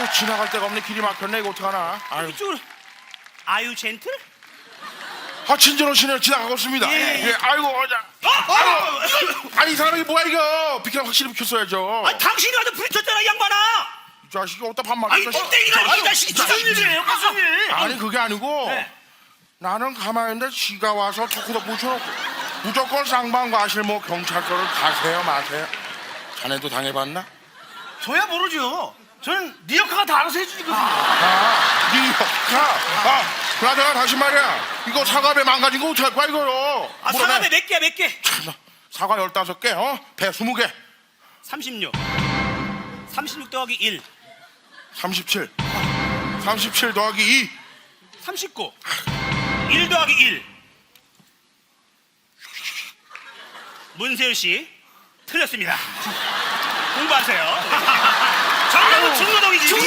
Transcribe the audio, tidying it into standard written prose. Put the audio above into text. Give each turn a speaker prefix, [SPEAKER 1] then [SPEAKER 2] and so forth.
[SPEAKER 1] 지나갈 데가 없네. 길이 막혔네. 이거 어떡하나. 아유.
[SPEAKER 2] 이쪽으로. 아유 젠틀?
[SPEAKER 1] 진진호 씨는 지나가고 있습니다.
[SPEAKER 2] 예.
[SPEAKER 1] 아이고 아니 이 사람이 뭐야 이거. 비켜 확실히 비켰어야죠.
[SPEAKER 2] 당신이 와서 부딪혔잖아 이 양반아.
[SPEAKER 1] 이 자식이 어디다 반말.
[SPEAKER 2] 아니 똥땡이가 이 자식이 무슨 일이에요 무슨 일?
[SPEAKER 1] 아니 그게 아니고
[SPEAKER 2] 네.
[SPEAKER 1] 나는 가만히 있는데 지가 와서 토크도 붙여놓고 무조건 쌍방과실 뭐 경찰서를 가세요 마세요. 자네도 당해봤나?
[SPEAKER 2] 저야 모르죠. 저는 니 역할가 다 알아서 해주니까.
[SPEAKER 1] 네 역할. 그나저나 다시 말이야. 이거 사과배 망가진 거 어떡할 거야 이거요.
[SPEAKER 2] 사과배 몇 개야 몇 개?
[SPEAKER 1] 참나. 사과 15개 배 20개
[SPEAKER 2] 36 더하기 1
[SPEAKER 1] 37 37 더하기 2
[SPEAKER 2] 39 1 더하기 1 문세윤 씨 틀렸습니다. 공부하세요. 정답은 중노동이지.